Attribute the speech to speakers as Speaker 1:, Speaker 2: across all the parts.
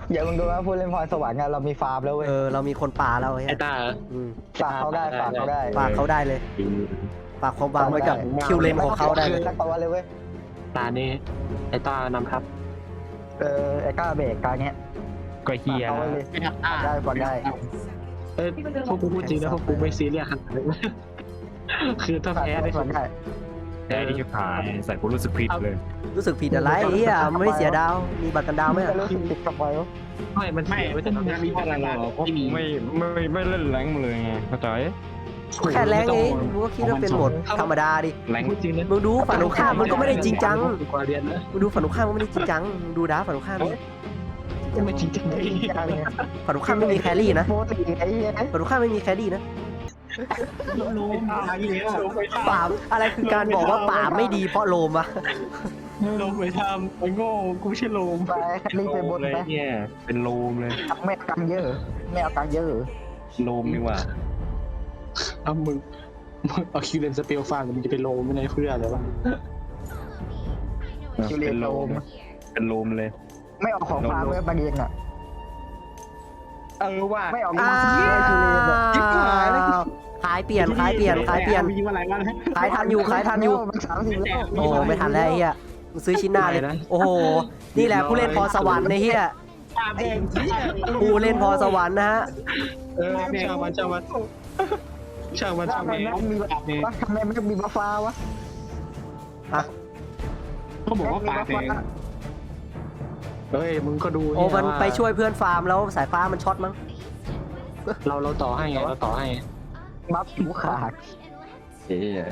Speaker 1: อย่ามึงดูว่าผู้เล่นพรสวรรค์เรามีฟาร์มแล้วเว้ย
Speaker 2: เรามีคนป่าแล้ว
Speaker 3: ไอ้
Speaker 2: เฮ้ย
Speaker 3: ตา
Speaker 1: ฝากเขาได้ฝากเขาได้
Speaker 2: ฝากเขาได้เลยฝากความหวังไว้กับคิวเลนของเขาได้เลย
Speaker 1: สักตัวเลยเว้ย
Speaker 3: ตานี่ไอ้ตานำทัพ
Speaker 1: ไอ้ก้าเบรกการเนี้ย
Speaker 4: ก็เฮีย
Speaker 1: เอาไว้เลย
Speaker 5: ไม่ทำได้
Speaker 1: ได้ก่อนได้
Speaker 3: เอ้ยพวกกูพูดจริงนะพวกกูไม่ซีเรียสขนาดนั้นคือถ้า
Speaker 1: ฝาก
Speaker 3: แพ้ได้
Speaker 1: ก่อนได้
Speaker 4: แพ้ที่ชิบหายใส่กูรู้สึกผิดเลย
Speaker 2: รู้สึกผิดอะไรเฮียมันไม่เสียดาวมีบัตรกันดาวไหม
Speaker 1: จะรู้สึกผิดกับไว้
Speaker 3: ไม่มัน
Speaker 5: ไม่
Speaker 3: เสียไว้แต่ตอน
Speaker 5: ไม่
Speaker 3: นี้
Speaker 5: มีอะไรหรอกไม่มี
Speaker 4: ไม่เล่นแรงเลยไงเข้าใจ
Speaker 2: แค่แรงเองมึงก็คิดว่าเป็นโหมดธรรมดาดิ
Speaker 4: แรง
Speaker 3: พูดจริงนะ
Speaker 2: มึงดูฝั่งตรงข้ามมันก็ไม่ได้จริงจัง
Speaker 3: กว่าเรียนนะ
Speaker 2: มึงดูฝั่งตรงข้ามมันไม่ได้จริงจังมึงดูดาฝั่งตรงข้ามดิ
Speaker 3: ไม่จริงจังเลย
Speaker 2: ฝั่งตรงข้ามไม่มีแครี่นะ
Speaker 1: โมตีไอ้เหี้ย
Speaker 2: ฝั่งตรงข้ามไม่มีแครี่นะ
Speaker 5: รู้มาอีกแล้ว
Speaker 2: ป่าอะไรคือการบอกว่าป่าไม่ดีเพราะโลมอะ
Speaker 3: ลงไปทำไอ้โง่กูไม่ใช่ลม
Speaker 1: ไปคันนี้ไปบน
Speaker 4: เลย
Speaker 1: ไป
Speaker 4: เนี่ยเป็นโลมเลย
Speaker 1: ไม่เอากังเยอะไม่เอากังเยอะ
Speaker 4: โลมดีกว่า
Speaker 3: เอามึงเอาคิวเลนสเปลฟังมึงจะเป็นโลมไม่ได้เพื่ออะไรวะ
Speaker 1: คิวเรียนโลม
Speaker 4: เป็นโลมเลย
Speaker 1: ไม่เอาของฟาร์มเว้ยประเด็นอ่ะ
Speaker 4: ว่า
Speaker 1: ไม่เอา
Speaker 2: อ้า
Speaker 1: คิวเรียนโลม
Speaker 2: วขายเปลี่ยนขายเปลี่ยนขายเปลี่ยน
Speaker 5: มีอะไรบ้าง
Speaker 2: ขายทันอยู่ขายทันอยู่
Speaker 1: มัน30แล้ว
Speaker 2: โอ้ไม่ทันแล้วไอ้เฮียมึงซื้อชิ้นหน้าเลยโอ้โหนี่แหละผู้เล่นพรสวรรค์ในเฮีย
Speaker 5: ตาแดงที่
Speaker 2: ผู้เล่นพรสวรรค์นะฮะ
Speaker 3: ช่างมันช่างมันช่างมันช่าง
Speaker 1: ทำไม
Speaker 3: มัน
Speaker 1: ไม่มีวะทำไมไม่มีบัฟฟ้าวะ
Speaker 5: เขาบอกว่าปากแดง
Speaker 3: เฮ้ยมึงก็ดู
Speaker 2: โอ้มันไปช่วยเพื่อนฟาร์มแล้วสายฟ้ามันช็อตมั้ง
Speaker 3: เราต่อให้ไงเราต่อให้
Speaker 1: บัฟหูขาด
Speaker 4: เฮีย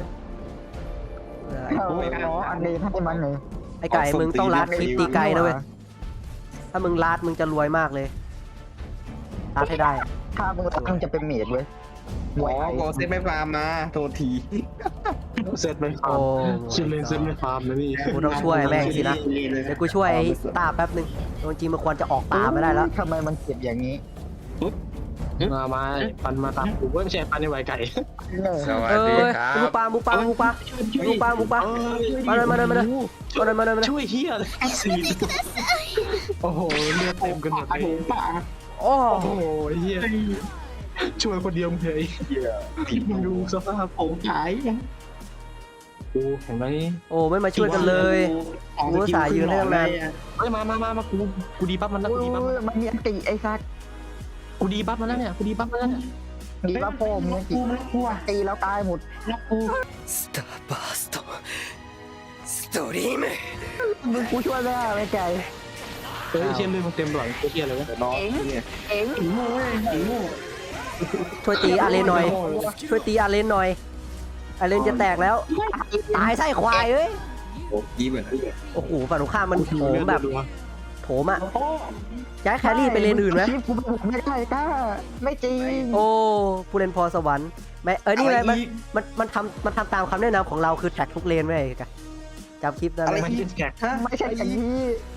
Speaker 1: เอาอันนี้ให้มันหนึ่ง
Speaker 2: ไอ้ไก่มึงต้องลาดคลิปตีไกลนะเว้ยถ้ามึงลาดมึงจะรวยมากเลยลาดให้ได้
Speaker 1: ถ้ามึงรักมึงจะเป็นเมดเว้ย
Speaker 4: อ๋อโกเซตไม่ฟาร์มนะโทษที
Speaker 3: เซตไม่ฟา
Speaker 2: โอ้
Speaker 3: ร์มคิวเลนเซตไม่ฟาร์มนะนี่
Speaker 2: กูต้องช่วยแม่งสินะเดี๋ยวกูช่วยไอ้ตาแป๊บนึงจริงๆมันควรจะออกป่าไม่ได้แล้ว
Speaker 1: ทำไมมันเจ็บอย่างนี้
Speaker 3: มาปันมาตามกูไม่ใช่ปันในไวไก่
Speaker 4: สวัส
Speaker 2: เอ
Speaker 4: ดี
Speaker 2: อ
Speaker 4: ครับ
Speaker 2: มุกปลามุกปลามุกปลามุกปลามุกปลามาเลยมาเลยมาเลยมาเลยมาเลยมาเลย
Speaker 3: ช่วยเฮียเลยโอ้โหเลือดเต็มกันหมดเลย
Speaker 5: ปาก
Speaker 2: โอ้
Speaker 3: โอ้โหเฮียช่วยคนเดียวมึงเลยมึงดูสภาพ
Speaker 5: ผมขาย
Speaker 3: กูเห็นไหม
Speaker 2: โอ้ไม่มาช่วยกันเลยกูสายยืนได้ตั้งนาน
Speaker 3: เฮ้ยมากูดีปั๊บมันแล้วกูดีปั๊บ
Speaker 1: มันมีอันติไอ้ซัก
Speaker 3: กูดีปั๊บมันแล้วเนี่ยกูดีปั๊บมันแล้วเนี่ย
Speaker 1: ดีว่าโฟมเนี่ย
Speaker 5: กูไม่กลัว
Speaker 1: ตีแล้วตายหมด
Speaker 5: แล้วกู
Speaker 2: สตาร์บัสต์สตอรี่แม
Speaker 1: มึงกูช่วยไม่ได้ไม่ไกล
Speaker 3: เฮ้ยเชี่ยเลยมันเต็มหลังกูเชี่ยเลยนะ
Speaker 4: น้องเนี่ย
Speaker 1: เอ็ง
Speaker 5: ถึงโง่เว้ยถึงโง่
Speaker 2: ช่วยตีอาเลนหน่อย ช่วยตีอาเลนหน่อยอาเลนจะแตกแล้วตายไส้ควายเอ้ย
Speaker 4: โอ้ยี่เหมือน
Speaker 2: โอ้โหฝั่งตรงข้ามมันโถมแบบโถมอ่ะ
Speaker 5: โอ้
Speaker 2: ย้ายแครี่ไปเลนอื่นไหม
Speaker 1: กูไม่ได้ก้าไม่จริง
Speaker 2: โอ้ผู้เล่นพรสวรรค์ไม่นี่ไงมันทำตามคำแนะนำของเราคือแท็กทุกเลนไว้กันจำคลิปได้ไหม
Speaker 3: มันเป็นแขก
Speaker 1: ไม่ใช่อย่างนี้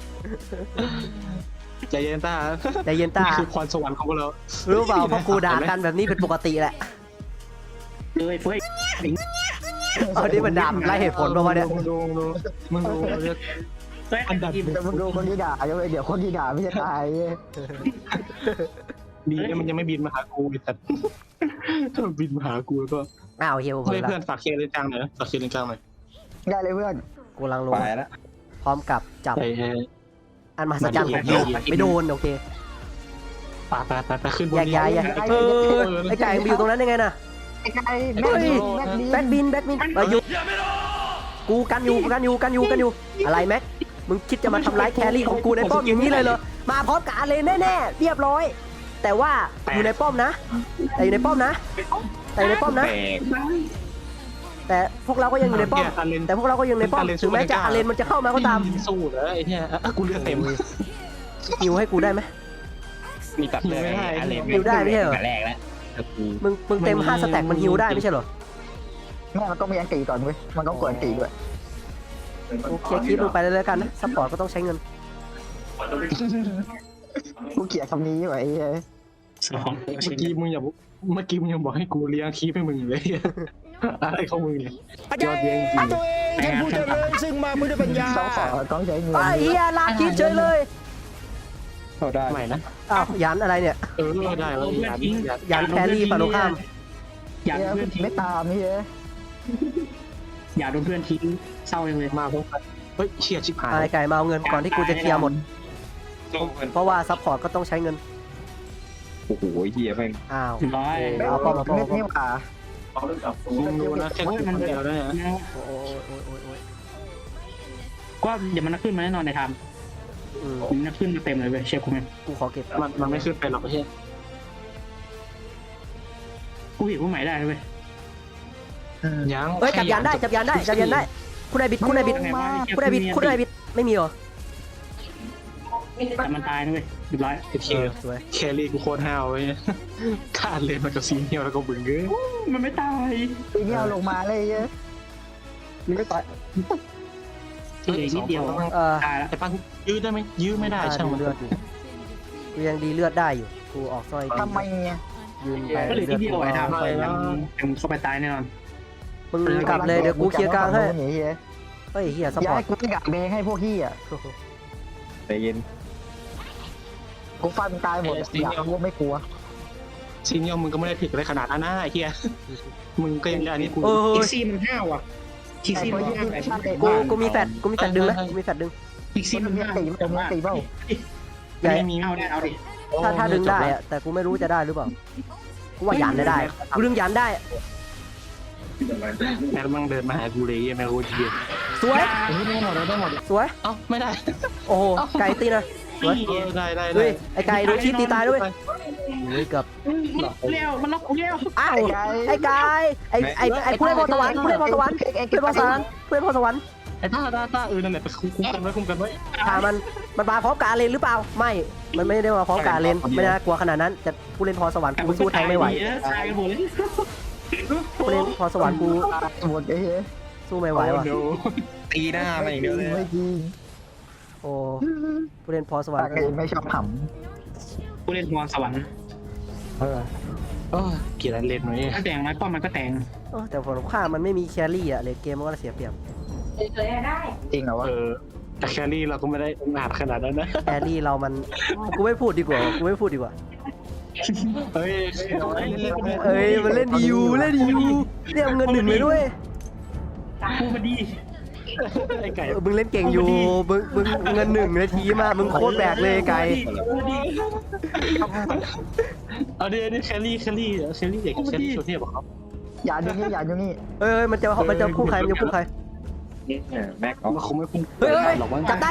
Speaker 3: ใจเย็นตา
Speaker 2: ใจเย็นตา
Speaker 3: นี่คือพรสวรรค์ของพวกเรา
Speaker 2: รู้เปล่าเพราะกูด่ากันแบบนี้เป็นปกติแหละ
Speaker 5: เลยเฟ้ย
Speaker 2: เอาที่มันด่าไล่เหตุผลประมาณเนี้ย
Speaker 3: มึงดูอันดับ
Speaker 1: แต่มึงดูคนที่ด่าเดี๋ยวคนที่ด่าไม่จะตาย
Speaker 3: ดีนะมันยังไม่บินมาหากูแต่ถ้ามันบินมาหากูแล้วก็
Speaker 2: อ้าวเฮียผม
Speaker 3: เพื่อน
Speaker 2: ละ
Speaker 3: เพื่อนฝากเคลียร์เลนกลางหน่อยนะฝากเคลียร์เลนกลางหน่อย
Speaker 1: ได้เลยเพื่อน
Speaker 2: กูกำลังลง
Speaker 4: ไปแล้ว
Speaker 2: พร้อมกับจับ
Speaker 3: ไอ้
Speaker 2: อันมหัศจรรย์ของโลกไม่โดนโอเค
Speaker 3: ไปขึ้นบน
Speaker 2: แยกย้ายไอ้ไก่ไปอยู่ตรงนั้นยังไงน่ะ
Speaker 1: ไอ้ไก่
Speaker 2: เฮ้ย
Speaker 1: แม็กดี
Speaker 2: แบ็คบินมาอยู่กูกันอยู่อะไรแม็กมึงคิดจะมาทำร้ายแครี่ของกูในป้อมอย่างนี้เลยเหรอมาพร้อมกับอาเลนแน่ๆเรียบร้อย แต่ว่าอยู่ในป้อมนะแต่อยู่ในป้อมนะแต่อยู่ในป้อมนะ
Speaker 4: แตก
Speaker 2: แต่พวกเราก็ยังอยู่ในป้อมแต่พวกเราก็ยังในป้อมถึงแม้จะอาเลนมันจะเข้ามาก็ตาม
Speaker 3: สู้เลยไอ้เนี่ยกูเลือดเต็ม
Speaker 2: ฮิวให้กูได้ไหม
Speaker 4: มีตัดเลยอะไร
Speaker 2: ฮิวได้ไม่ใช่เหรอ
Speaker 4: แรกแล้วกู
Speaker 2: มึงเต็ม5สแต็กมันฮิวได้ไม่ใช่เหรอ
Speaker 1: แม่มันต้องมีอันตีก่อนเว้ยมันต้องกดอันตีด้วย
Speaker 2: โอเคคลิปลงไปเลยแล้วกันนะซัพพอร์ตก็ต้องใช้เงิน
Speaker 1: กูเกลียดคำนี้ไว้
Speaker 3: เมื่อกี้มึงยังบอกให้กูเลี้ยงคีบให้มึงเลยอะไรของมึงเนี่ยยอดเยี่ยมจริง
Speaker 5: ท่านผู้เจริญซึ่งมาเพื่อปัญญา
Speaker 1: ต้องใช้เงิน
Speaker 2: ไอ้เฮียลากคลิปเฉยเลย
Speaker 4: เข้าได้
Speaker 3: ใหม่นะ
Speaker 2: อ้าวยันอะไรเนี่ย
Speaker 3: ได้แล้วยัน
Speaker 2: ยันแครี่ฝั่งตรงข้าม
Speaker 5: อย่าโดนเพื่อนทิ้ง
Speaker 1: ไม่ตามนี่เอ้ย
Speaker 5: อย่าโดนเพื่อนทิ้งเศร้ายังเลย
Speaker 3: มาพบกันเฮ้ยเชียชิบหาย
Speaker 2: ไอ้ไก่มาเอาเงินก่อนที่กูจะเคลียร์หมด
Speaker 4: สู้กัน
Speaker 2: เพราะว่าซัพพอร์ตก็ต้องใช้เงิน
Speaker 4: โอ้โหเฮียแม่ง
Speaker 2: อ้าว
Speaker 5: ร้อย
Speaker 2: เอาป้อมเอาป้อม
Speaker 1: เม็
Speaker 2: เอาป้อม
Speaker 1: ดนี่หว่า
Speaker 3: มึงดูนะแค่คนเดียวได้นะ
Speaker 2: โอ้ยโอ้ยโอ้ยโอ้ย
Speaker 5: ก็เดี๋ยวมันขึ้นมาแน่นอนในไทม์
Speaker 2: อืม
Speaker 5: มันขึ้นมาเต็มเลยเว้ยเชฟกูไหม
Speaker 2: กูขอเก็บ
Speaker 3: มันไม่ขึ้นไปหรอกเฮีย
Speaker 5: กูหิวกูใหม่ได้เว้ย
Speaker 3: ยัง
Speaker 2: เอ้ยจับยันได้จับยันได้จับยันได้คุณนายบิดคุณนายบิด
Speaker 5: ยังไงวะ
Speaker 2: คุณนายบิดคุณนายบิดไม่มีเหรอ
Speaker 5: แต่มันตายนะเว้ยเรียบร้อย
Speaker 3: ไอ้เทีย
Speaker 2: สวย
Speaker 3: แครี่กูโคตรห้าวเว้ยขาดเลยมันกับซีเนียแล้วก็บึ้งเอ้ย
Speaker 5: มันไม่ตาย
Speaker 1: ปีนี้เอาลงมาเลยเอ้ย
Speaker 3: มึงไม่ตาย
Speaker 5: เหลือนิดเดียว ตายแล้ว
Speaker 3: ไอ้ปังยื้อได้ไหมยื้อไม่ได้ช่างมัน
Speaker 2: เลือดอยู่กูยังดีเลือดได้อยู่กูออกสร้อย
Speaker 1: ทำไมเนี่ย
Speaker 2: ยืนไป
Speaker 5: ก็เหลือนิดเดียวไอ้ไทม์
Speaker 3: ไปแล้ว
Speaker 5: ยังเข้าไปตายแน่นอน
Speaker 2: มึงกลับเลยเดี๋ยวกูเคลียร์กลางให้
Speaker 1: เฮ้ย
Speaker 2: เฮ้ยเฮียซัพ
Speaker 1: อย่า
Speaker 2: พอร์
Speaker 1: ให้
Speaker 2: ต
Speaker 1: กูไปกักแดงให้พวกขี้อ่ะ
Speaker 4: ใจเย็น
Speaker 1: กูฟันตายหมดอยากรู้ว่าไม่กลัว
Speaker 3: ซีเนียมึงก็ไม่ได้ผิดอะไรขนาดนั้นนะไอ้เฮียมึงก็ยังอันนี้กู
Speaker 2: เออ
Speaker 5: อีกซี่มันห้าวอ่ะอีกซี่มันห้าวแบบ
Speaker 2: กูมีแฟดกูมีแฟดดึงนะกูมีแฟดดึง
Speaker 5: อีกซี่มันห้าว
Speaker 1: ตีเปล่า
Speaker 5: ไม่มีเอาได้เอาดิ
Speaker 2: ถ้าดึงได้อะแต่กูไม่รู้จะได้หรือเปล่ากูว่ายันได้กูดึงยันได้
Speaker 3: แม่มึงเดินมาหากูเลยแม่กูเฮีย
Speaker 2: สวย
Speaker 3: ได้หมดได้หมด
Speaker 2: สวย
Speaker 3: เอ้าไม่ได้
Speaker 2: โอ้โหไก่ตีนะสวย
Speaker 3: ได้
Speaker 2: เฮ้ยไอ้ไก่โดนชีพตีตายด้วยเฮ้ยเกือบ
Speaker 5: เร็วมันล็อกเร็ว
Speaker 2: อ้าวไอ้ไก่ไอ้ผู้เล่นพรสวรรค์ผู้เล่นพรสวรรค์ผู้เล่นพรสวรรค์ผู้เล่นพรสวรรค์
Speaker 3: ไอ้ท่านั่นแหละไปคุ้มกันไว้
Speaker 2: ถ้ามันมาพร้อมกับอาเลนหรือเปล่าไม่มันไม่ได้มาพร้อมกับอาเลนไม่น่ากลัวขนาดนั้นแต่ผู้เล่นพรสวรรค์กูสู้แทงไม่ไหว
Speaker 5: ตายกันหมดเลย
Speaker 2: ผู้เล่นพรสวรรค์กู
Speaker 1: หมดไอ้เฮ้ย
Speaker 2: สู้ไม่ไหวว่ะ
Speaker 4: ตีหน้ามาอย่างเดียวเลย
Speaker 1: ไม่จริง
Speaker 2: โอ้ผู้เล่นพรสวรรค์
Speaker 1: ไม่ชอบข
Speaker 5: ผู้เล่นพรสวรรค์
Speaker 1: ำ
Speaker 3: เกลียดเล่นไว้
Speaker 5: ถ้าแต่งไม้ป้อมมันก็แต่ง
Speaker 2: แต่ผลข้ามันไม่มีแครี่อะเลนเกมมันก็เสียเปรียบ
Speaker 1: จริงเหรอวะ
Speaker 3: แต่แครี่เราก็ไม่ได้หนาดขนาดนั้นนะ
Speaker 2: แครี่เรามันกูไม่พูดดีกว่ากูไม่พูดดีกว่า
Speaker 3: เฮ้ย
Speaker 2: เอ้ยมันเล่นดีอยู่เล่นดีอยู่เรียกเงินหนึ่งเลยด้วย
Speaker 5: พูดมาดี
Speaker 3: ไอ้ไก่
Speaker 2: มึงเล่นเก่งอยู่มึงเงินหนึ่งนาทีมามึงโคตรแบกเลยไก่
Speaker 3: เอาดิแครี่เด็กแครี่โชว์เทียบเขา
Speaker 1: อย่าอยู่นี่อย่าอยู่นี่
Speaker 2: เอ้ยมันจะคู่ใครมันจะคู่ใคร
Speaker 4: แม็กเอา
Speaker 3: มันคงไม่พุ่ง
Speaker 2: เฮ้ยจับได้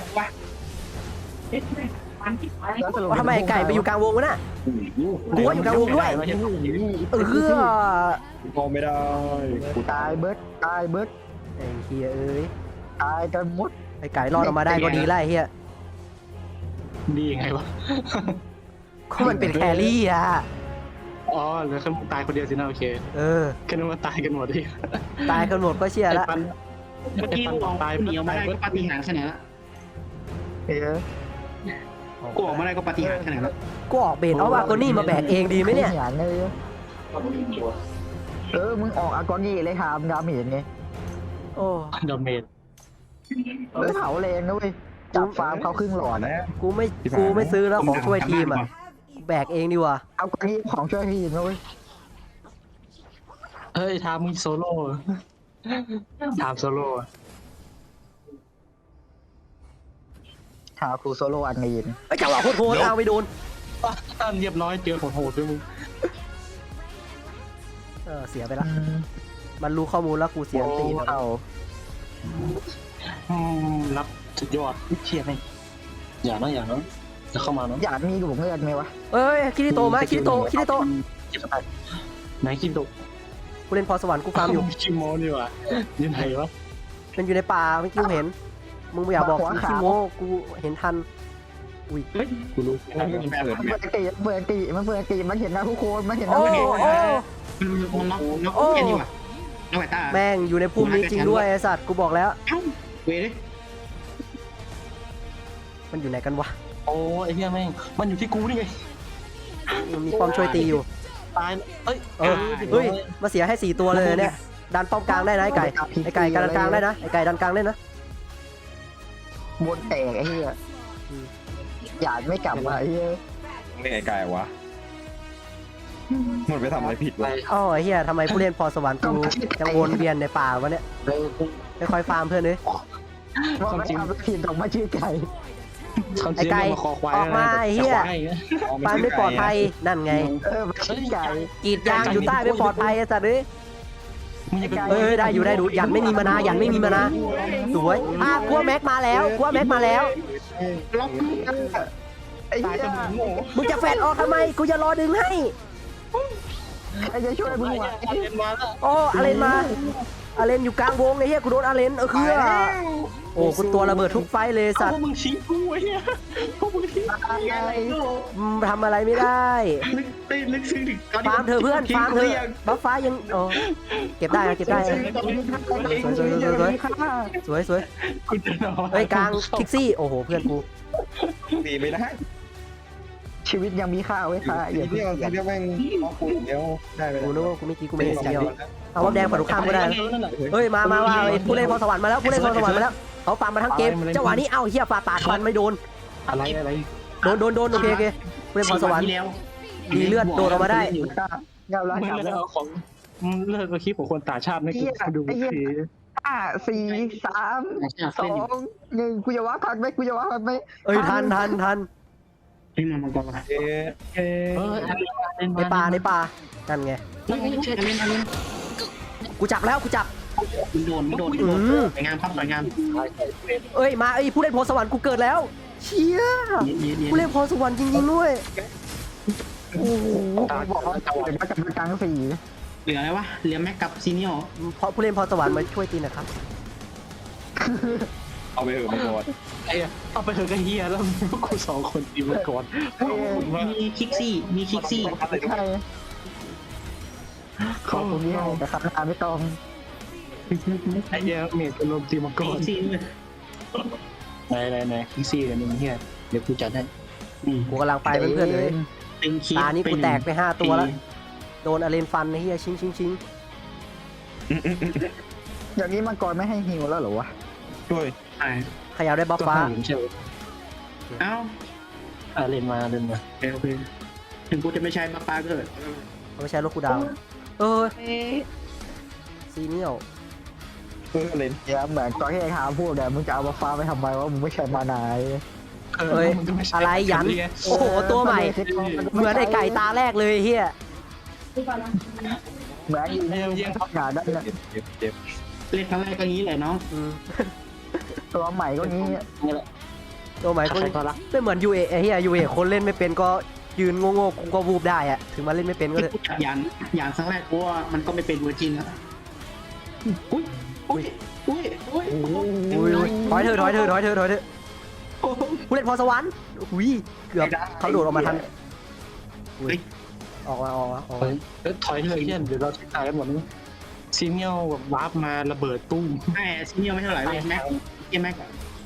Speaker 2: ว่าทำไมไก่ไปอยู่กลางวงวะน่ะกูว่าอยู่กลางวงด้วยอ
Speaker 4: พอไม่ได้
Speaker 1: กูตายเบิร์ดตายเบิร์ด
Speaker 2: ไอ้เฮียเอ้ย
Speaker 1: ตายกันหมด
Speaker 2: ไอ้ไก่รอดออกมาได้ก็ดีแล้วไอ้เฮีย
Speaker 3: ดียังไงวะ
Speaker 2: ก็มันเป็นแครี่อ่ะ
Speaker 3: อ๋อเหลือแค่ตายคนเดียวสินะโอเค แค่นั้นว่าตายกันหมดดิ
Speaker 2: ตายกันหมดก็เชียร์ละ
Speaker 5: เมื่อกี้กูออกหนีออกมาได้ก็ปาฏิหาริย์ขนาดนั้น
Speaker 1: เฮ้ย
Speaker 5: กูออกมาได้ก็ปาฏิหาริย์ขนาดนั้น
Speaker 2: กูออกเบนเอาวากนี่มาแบกเองดีไหมเนี่ย
Speaker 1: อย่างเลยมึงออกอากอนี่เลยครับดาเมจไง
Speaker 2: โอ้
Speaker 3: ดอมเมจ
Speaker 1: เผาแรงนะเว้ยจับฟาร์มเขาครึ่งหลอดนะ
Speaker 2: กูไม่ซื้อแล้วของช่วยทีมอ่ะแบกเองดีกว่า
Speaker 1: เอากอนี่ของช่วยทีมนะเว้ย
Speaker 3: เฮ้ยทามมึงโซโล่ทามโซโล่
Speaker 1: หาครูโซโล่อันนี้
Speaker 2: ไอ้จังหวะโคตรเอาไปโดน
Speaker 3: เรียบร้อยเจอโหดด้วยมึง
Speaker 2: เสียไปละมันรู้ข้อมูลแล้วกูเสียตี
Speaker 1: เอา
Speaker 3: รับสุดยอดเชียร์ไงอย่านะจะเข้ามาเนาะ
Speaker 1: อยากมีกับผมเลือดไหมวะ
Speaker 2: เอ้ยคิริโตมาคิริโต
Speaker 3: ไหนคิดดู
Speaker 2: กูเล่นพรสวรรค์กูฟาร์มอยู่
Speaker 3: คิโมนี่วะยืนไหนวะ
Speaker 2: มันอยู่ในป่าเมื่อกี้กูเห็นมึงไม่อยากบอกขี้โม้กูเห็นทันอุ้ย
Speaker 3: กูรู้
Speaker 4: มันเปิดแม็ก
Speaker 1: เปิดตีมันเห็นนะทุกคนมันเห็นนะ
Speaker 2: โอ้
Speaker 1: ทุกคน
Speaker 2: โอ้
Speaker 5: มันล็อกแค่นี้ว่ะน้องไอ้ตา
Speaker 2: แม่งอยู่ในพุ่มนี้จริงด้วยไอ้สัตว์กูบอกแล้ว
Speaker 5: เอ้าเว้ย
Speaker 2: มันอยู่ไหนกันวะ
Speaker 3: โอ้ไอ้เหี้ยแม่งมันอยู่ที่กูนี่ไง
Speaker 2: มันมีป้อมช่วยตีอยู่
Speaker 3: ตายเอ้ย
Speaker 2: เฮ้ยมาเสียให้4ตัวเลยเนี่ยดันป้อมกลางได้นะไอ้ไก่ดันกลางได้นะไอ้ไก่ดันกลางได้นะ
Speaker 1: บนแตกไอ้เหี้ยหยาดไม่กลับมาไอ้เหี้ย
Speaker 4: ไม่ไกลๆวะมันไปทำอะไรผิดวะ
Speaker 2: อ๋อเฮียทำไมผู้เล่นพรสวรรค์กูยังวนเวียนในป่าวะเนี่ยไม่ค่อยฟาร์มเพื่อนเลย
Speaker 1: ว่าไม่ทำทีมของมาชื่อไก่
Speaker 3: เขาเสียมาคอควาย
Speaker 2: ออกมาไอ้เหี้ย ฟาร์มไม่ปลอดภัยนั่นไง
Speaker 1: มาชื่อไก่
Speaker 2: กรีดยางอยู่ใต้ไม่ปลอดภัยไอ้สัตว์เอ้ย
Speaker 3: มึงอย่าไป
Speaker 2: เอ้ยได้อยู่ได้ดูยันไม่มีมานายันไม่มีมานาสวยกลัวแม็กมาแล้วกลัวแม็กมาแล้ว
Speaker 5: ล็อก
Speaker 1: ไอ้เหี้ย
Speaker 2: มึงจะแฟดออกทำไมกูจะรอดึงให้
Speaker 1: ไอ้จะช่วยมึงวะ
Speaker 2: โอ้อาเลนมาอาเลนอยู่กลางวงไอ้เหี้ยกูโดนอาเลนคือโอ้กูตัวระเบิดทุกไฟเลยสัต
Speaker 3: พว
Speaker 2: ว์
Speaker 3: กมึงชี้กูไอ้เนี่ยพวกมึงชี้
Speaker 2: ทำอะไรไม่ได้
Speaker 5: ลึกซึ้งถึง
Speaker 2: ฟาร์มเธอเพื่อนฟาร์มเธอบัฟฟ้ายังโอ้เก็บได้นะเก็บได้สวยสวย
Speaker 3: กูจะนอน
Speaker 2: เฮ้ยกลางคิกซี่โอ้โหเพื่อนกู
Speaker 4: ดีไม่ได้
Speaker 1: ชีวิตยังมีค่าไว้ค่ะอย่า
Speaker 4: ทีเดียวทีเดียวแม่งเอาคุยเดียวได้ไป
Speaker 2: กูนึกว่ากูไม่กี้กูไม่เห็นเดียวเอาว่าแดงฝั่งตรงข้ามก็ได้เฮ้ยมาผู้เล่นพรสวรรค์มาแล้วผู้เล่นพรสวรรค์มาแล้วเขาฟาร์มมาทั้งเกมจังหวะนี้เอ้าเฮียฝ่าปาดฟันไม่โดน
Speaker 3: อะไร
Speaker 2: โดนโอเคผู้เล่นพรสวรรค์
Speaker 5: ที่แล้ว
Speaker 2: มีเลือดโดดออกมาได้
Speaker 1: เงาล้าง
Speaker 3: มึง
Speaker 1: กลับ
Speaker 3: เลิ
Speaker 1: แล้ว
Speaker 3: กของเลิกคลิปของคนต่างชาติไม่กูดูที
Speaker 1: 5 4 3 2 1กูจะว่าคันไหมกูจะว่าคันไหม
Speaker 2: เอ้ยทัน
Speaker 5: นี่มันก็มา
Speaker 4: เอ๊ะ
Speaker 2: ในป่ากันไง
Speaker 5: ไม่ใช่เล่นเล่น
Speaker 2: กูจับแล้วกูจับ
Speaker 5: ไม่โดนสวยงามครับสวยงาม
Speaker 2: เอ้ยมาผู้เล่นพรสวรรค์กูเกิดแล้วเชี่ยผู้เล่นพรสวรรค์จริงๆด้วยโอ้โห
Speaker 1: บอกว่าเดี๋ยวมากับกลาง4
Speaker 5: เหลืออะไรวะเหลือแม็กกับซีเนียล
Speaker 2: เพราะผู้เล่นพรสวรรค์มาช่วยตีนะครับ
Speaker 4: เอาไปเถอะมังกร
Speaker 3: ไอ้เอาไปเถอะก็เฮียแล้วพวกกูสองคนตีมังกร
Speaker 5: มีคิกซี่
Speaker 1: ใช่ขอบคุณที่ให้แต่คำนาไม่ต้อง
Speaker 3: ไอ้เหี้ยเมดเป็นลมตีมังก
Speaker 5: คิ
Speaker 3: ร
Speaker 5: กซี่ด้วย
Speaker 3: ไหนคิกซี่กันนึงเฮียเดี๋ยวกูจัดให้
Speaker 2: กูกำลังไปเพื่อนๆเลย
Speaker 5: เป็นคิ
Speaker 2: ตานี้กูแตกไป5ตัวแล้วโดนอาเลนฟันไอ้เหี้ยชิง
Speaker 1: อย่างนี้มังกรไม่ให้ฮิวแล้วเหรอวะ
Speaker 4: ช่วย
Speaker 2: ขยับได้บัฟฟ้า
Speaker 3: ใช่ไหม
Speaker 5: เอ้า
Speaker 3: เล่นมา
Speaker 5: โอเคถึงกูจะไม่ใช่มาปาเกิด
Speaker 2: ไม่ใช่รถกูดาวซีเนียล
Speaker 4: เล่น
Speaker 1: เดี๋ยวเหมือนตอนที่ไอ้หาพูดเนี่ยมึงจะเอามาฟ้าไปทำไมวะมึงไม่ใช่มานาย
Speaker 2: เฮ้ยอะไรยันโอ้โหตัวใหม่เหมือนไอ้ไก่ตาแรกเลยเฮีย
Speaker 1: เหมือนยิงทับหนาได้เนี่ย
Speaker 4: เจ็บ
Speaker 5: เล่นครั้งแรกก็งี้แหละน้อง
Speaker 1: ตัวใหม่ก็งี้
Speaker 2: ตัวใหม่ก็ไม่เหมือนยูเอเฮียยูเอคนเล่นไม่เป็นก็ยืนโง่ๆกูก็วูบได้อะถึงมาเล่นไม่เป็นก็
Speaker 5: ที่
Speaker 2: เลย
Speaker 5: กูจับยานครั้งแรกกูว่ามันก็ไม่เป็นเวอร์จินแล้วอุ้ย
Speaker 2: ถอยเถอะผู้เล่นพรสวรรค์หุยเกือบเขาโดดออกมาทันออกมา
Speaker 3: ถอยเลยเฮียเดี๋ยวเราใช้ตายกันหมดนะซีเนียลแบบวาร์ปมาระเบิดตุ้ม
Speaker 5: แม่ซีเนียลไม่เท่าไหร่เลยแม็กแม็ก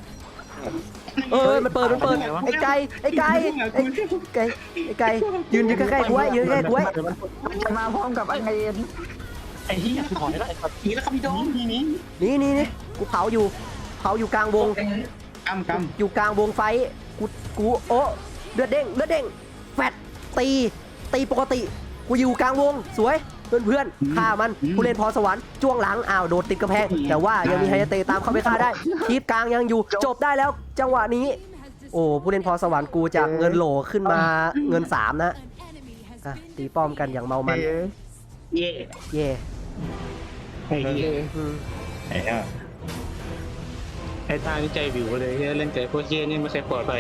Speaker 2: มันเปิดไอ้ไก่ยืนใกล้ๆกูไว้
Speaker 1: มันจะมาพร้อมกับไอ้เอ็น
Speaker 3: ไอ้เฮียถอยได้ครับ
Speaker 5: นี่แล้วครับพี่โดมนี่
Speaker 2: นี่กูเผาอยู่กลางวง
Speaker 5: กำ
Speaker 2: อยู่กลางวงไฟกูโอ้เลือดเด้งแฟดตีปกติกูอยู่กลางวงสวยเพื่อนฆ่ามันผู้เล่นพรสวรรค์จ้วงหลังโดดติดกระแพงแต่ว่ายังมีไฮเตตามเข้าไปฆ่าได้คีบกลางยังอยู่จบได้แล้วจังหวะนี้โอ้ผู้เล่นพรสวรรค์กูจากเงินโหลขึ้นมาเงิน3นะตีป้อมกันอย่างเมามันเย่
Speaker 3: ไอ้เฮีย
Speaker 4: ไอ้เหี้ย
Speaker 3: ไอ้ตานี่ใจวิวเลยเล่นใจพวกเฮียนี่ไม่เคยปลอดภัย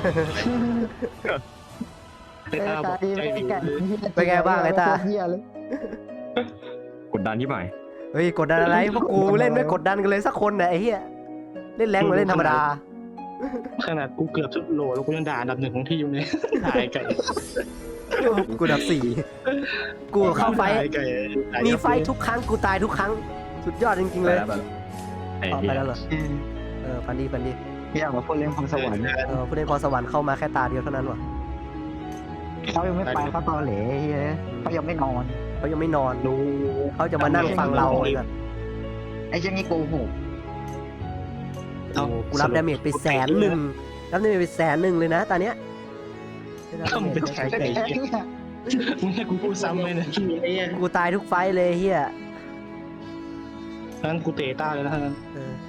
Speaker 3: ไอ้ตาบอกใจวิวเลย
Speaker 2: เป็นไงบ้างไอ้ตา
Speaker 4: กดดันที่ใหม่
Speaker 2: เฮ้ยกดดันอะไรพวกกูเล่นไม่กดดันกันเลยสักคนนะไอ้เหี้ยเล่นแรงเหมือนเล่นธรรมดา
Speaker 3: ขนาดกูเกือบสุดโหลแล้วกูยังด่าอันดับ1ของที่อยู่เนี่ยหายไก่
Speaker 2: กูดับ4กูเข้าไฟมีไฟทุกครั้งกูตายทุกครั้งสุดยอดจริงๆเลย
Speaker 4: ไอ้
Speaker 2: ต่อ
Speaker 4: เหี้
Speaker 2: ไป
Speaker 4: ย
Speaker 2: แล้วเหรอปันดี
Speaker 1: อยากมาพูดเรื่องความสวรรค์
Speaker 2: ผู้เล่นพรสวรรค์เข้ามาแค่ตาเดียวเท่านั้นวะ
Speaker 1: เขายังไม่ไปเขาตอเหล่เขายังไม่นอน
Speaker 2: เขายังไม่นอน
Speaker 3: ดู
Speaker 2: เขาจะมานั่งฟังเราเลย
Speaker 1: ไอ้เจ้านี่โกหก
Speaker 2: กูรับดาเมจไป100,000 รับนี่ไป100,000เลยนะตอนเนี้ย
Speaker 3: ต้องเป็นแขกไก่เหี้ยมึงให้กูพูดซ้ำเลยนะ
Speaker 5: ขี้ไอ้เหี้ย
Speaker 2: กูตายทุกไฟท์เลยเฮีย
Speaker 3: งั้นกูเตะต้าเลยนะฮะ
Speaker 2: เออ